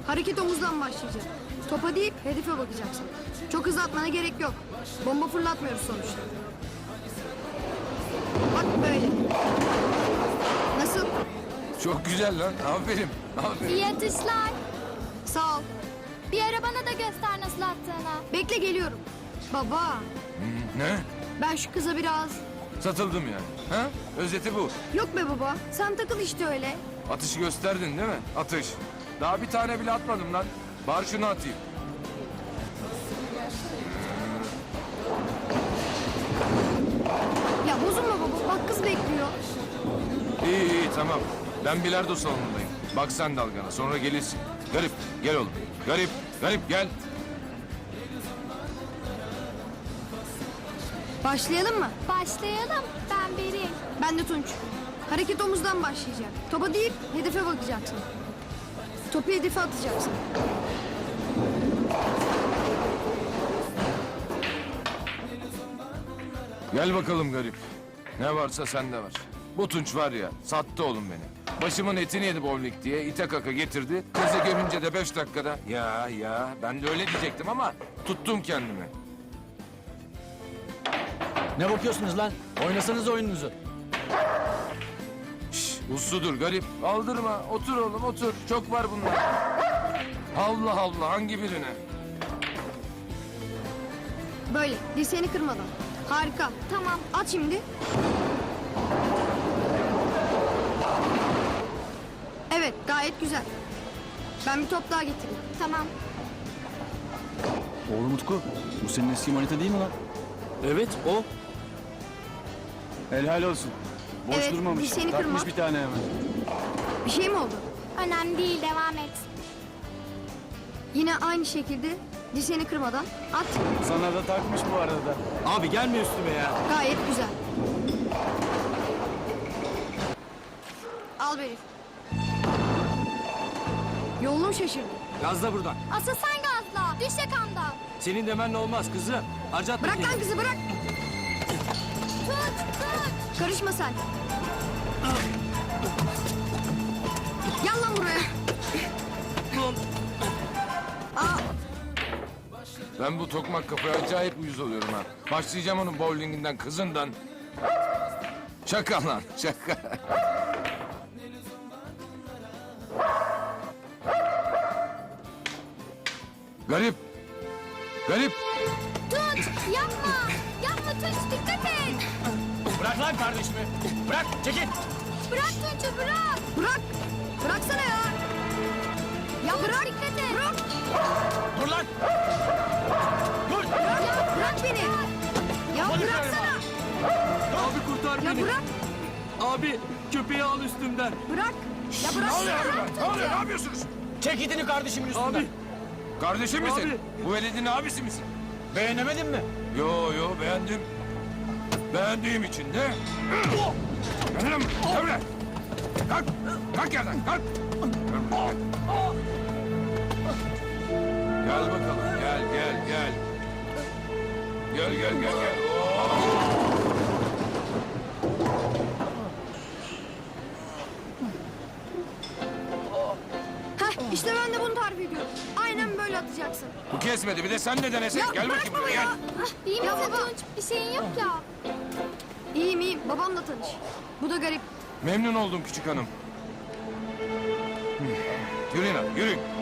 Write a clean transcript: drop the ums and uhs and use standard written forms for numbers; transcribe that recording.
Hareket omuzdan başlayacak. Topa değil, hedefe bakacaksın. Çok hızlı atmana gerek yok. Bomba fırlatmıyoruz sonuçta. Bak böyle. Nasıl? Çok güzel lan. Aferin. Aferin. İyi atışlar. Sağ ol. Bir ara bana da göster nasıl attığını. Bekle geliyorum. Baba, Ne? ben şu kıza biraz... Satıldım yani. Ha? Özeti bu. Yok be baba, sen takıl işte öyle. Atışı gösterdin değil mi? Atış. Daha bir tane bile atmadım lan. Bari şunu atayım. Ya bozulma baba, bak kız bekliyor. İyi iyi tamam. Ben bilardo salonundayım. Bak sen dalgana sonra gelirsin. Garip gel oğlum. Garip gel. Başlayalım mı? Başlayalım. Ben Beril. Ben de Tunç. Hareket omuzdan başlayacak. Topa değil, hedefe bakacaksın. Topu hedefe atacaksın. Gel bakalım garip. Ne varsa sende var. Bu Tunç var ya sattı oğlum beni. Başımın etini yedi bowling diye ite kaka getirdi. Kızı görünce de 5 dakikada ya ben de öyle diyecektim ama tuttum kendimi. Ne bakıyorsunuz lan? Oynasanız oyununuzu. Şş, usludur garip. Aldırma. Otur oğlum otur. Çok var bunlar. Allah Allah hangi birine? Böyle, dirseğini kırmadan. Harika. Tamam. At şimdi. Evet, gayet güzel. Ben bir top daha getireyim. Tamam. Oğlum Utku, bu senin eski manita değil mi lan? Evet, o. Helal olsun. Boş Evet, durmamış. bir seni Takmış kırma. bir tane hemen. Bir şey mi oldu? Önemli değil. Devam et. Yine aynı şekilde dirseğini kırmadan at. Sana da takmış bu arada. Abi gelme üstüme ya. Gayet güzel. Al Beril. Yolunu şaşırdı. Gazla buradan. Asıl sen gazla. Düş yakamdan. Senin demenle olmaz kızım. Harcatma Bırak lan kızı bırak. Tut. Karışma sen. Gel lan buraya. Aa, Ben bu tokmak kafaya acayip uyuz oluyorum ha. Başlayacağım onun bowlinginden kızından. Şaka lan şaka. Garip. Tut. Yapma. Yapma Tunç. Dikkat et. Bırak lan kardeşimi. Bırak, çekil. Bırak Tunç'u bırak. bırak. Bıraksana ya. Ya bırak. Dikkat et. Bırak. Dur lan. Dur. Bırak beni. Ya bıraksana. Abi kurtar Ya beni. bırak. Abi köpeği al üstümden. Bırak. Ya bırak. Ne oluyor? Ne yapıyorsunuz? Çek itini kardeşimin üstünden. Abi. Kardeşim misin? Abi. Bu veledin abisi misin? Beğenemedin mi? Yo beğendim. Beğendiğim için de... Gel lan buraya, gel buraya. Kalk, kalk yerden, kalk. Gel bakalım, gel. Gel. Heh, işte ben de bunu tarif ediyorum. Aynen böyle atacaksın. Bu kesmedi, bir de sen de denesek. Ya Gel bırak bakayım baba buraya, ya. gel. İyi Ya misin baba. Tunç? Bir şeyin yok ya. İyiyim. Babamla tanış. Bu da garip. Memnun oldum küçük hanım. Yürüyün abi, yürüyün.